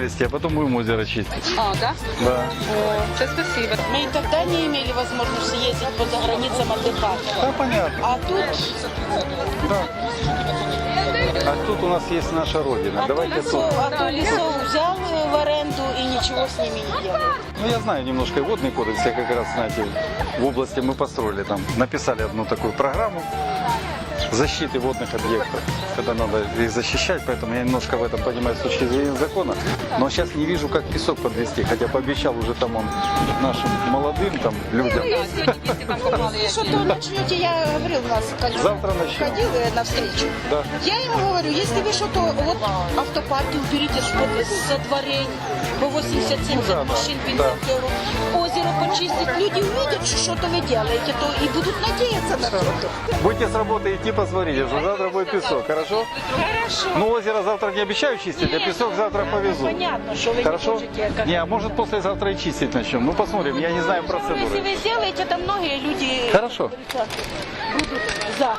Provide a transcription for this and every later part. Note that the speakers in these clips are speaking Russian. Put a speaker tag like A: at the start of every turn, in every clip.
A: провести, а потом будем озеро чистить.
B: А, да?
A: Да.
B: О, це спасибо.
C: Мы и тогда не имели возможности ездить по заграницам отдыхать.
A: Да, понятно.
C: А тут,
A: Да. А тут у нас есть наша родина. Давайте тут.
C: лесов взял в аренду и ничего с ними не делает.
A: Ну, я знаю немножко и водный кодекс. Я как раз, знаете, в области мы построили там, написали одну такую программу защиты водных объектов, когда надо их защищать, поэтому я немножко в этом понимаю с точки зрения закона, но сейчас не вижу, как песок подвести, хотя пообещал уже там он нашим молодым там людям.
C: Что-то начнете, я говорил, у нас
A: Завтра начнем.
C: ходил на встречу.
A: Да.
C: Я ему говорю, если вы что-то, вот автопарки уберите что-то со дворей, по 80-70
A: да,
C: машин,
A: да.
C: бензокеров, озеро почистить, люди увидят, что что-то вы делаете, то и будут надеяться на что-то.
A: Будете с работы идти, посмотрите, что завтра будет песок, хорошо?
C: Хорошо.
A: Ну, озеро завтра не обещаю чистить, а песок завтра повезу.
C: Понятно, что вы
A: Хорошо?
C: не можете. Как...
A: Не, а может послезавтра и чистить начнем. Ну, посмотрим, я не знаю
C: Если
A: процедуры.
C: вы сделаете, то многие люди
A: Хорошо.
C: будут за.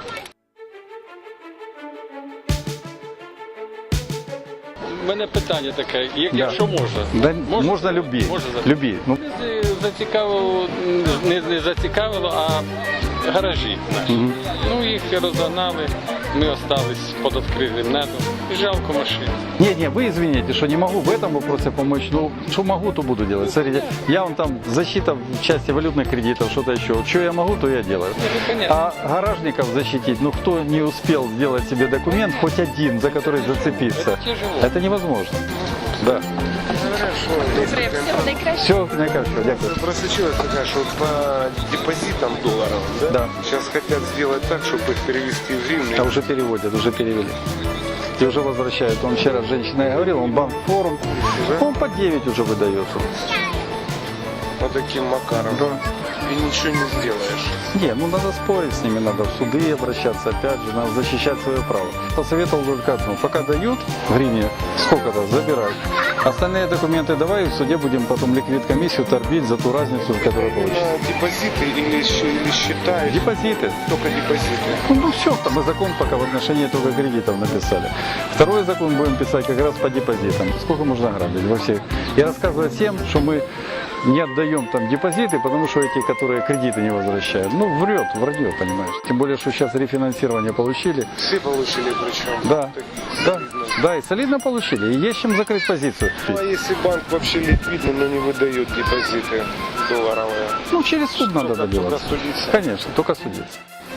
D: У мене питання таке,
A: Да.
D: якщо можна.
A: Да, можно любить.
D: Можна запитати?
A: Любить. Ну,
D: Зацікавило, не зацікавило, а гаражі наші. Ну їх розгнали, ми остались під відкритим небом. І жалко машин.
A: не, вы извините, что не могу в этом вопросе помочь, но что могу, то буду делать. Смотрите, я вон там защита в части валютных кредитов, что-то еще. Что я могу, то я делаю.
D: Ну, понятно.
A: А гаражников защитить, ну кто не успел сделать себе документ, хоть один, за который зацепиться,
D: Это тяжело.
A: это невозможно. Да.
B: Добре, всього найкраще.
A: Все, наикачиваю, дякую.
E: Просочилась такая, что по депозитам долларов, да?
A: Да.
E: Сейчас хотят сделать так, чтобы их перевести в гривны.
A: А уже переводят, уже перевели. И уже возвращают. Он вчера с женщиной говорил, он банк-форум. Он по 9 уже выдается.
E: Вот таким макаром.
A: Да.
E: И ничего не сделаешь.
A: Не, ну надо спорить с ними, надо в суды обращаться, опять же, надо защищать свое право. Посоветовал только одно, пока дают в гривне, сколько-то, забирай. Остальные документы давай, в суде будем потом ликвид-комиссию торбить за ту разницу, которую получится.
E: На депозиты или счета?
A: Депозиты.
E: Только депозиты.
A: Ну все, там мы закон пока в отношении только кредитов написали. Второй закон будем писать как раз по депозитам. Сколько можно грабить во всех. И рассказывать всем, что мы не отдаем там депозиты, потому что эти, которые кредиты не возвращают. Ну, вранье, понимаешь. Тем более, что сейчас рефинансирование получили.
E: Все получили причем.
A: Да, да, и солидно получили. И есть чем закрыть позицию.
E: Ну, а если банк вообще ликвидный, но не выдает депозиты долларовые?
A: Ну, через суд надо
E: Только
A: добиваться.
E: судиться.
A: Конечно, только судиться.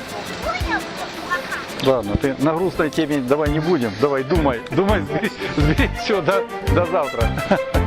A: Ладно, ты на грустной теме давай не будем. Давай, думай, сбери все до завтра.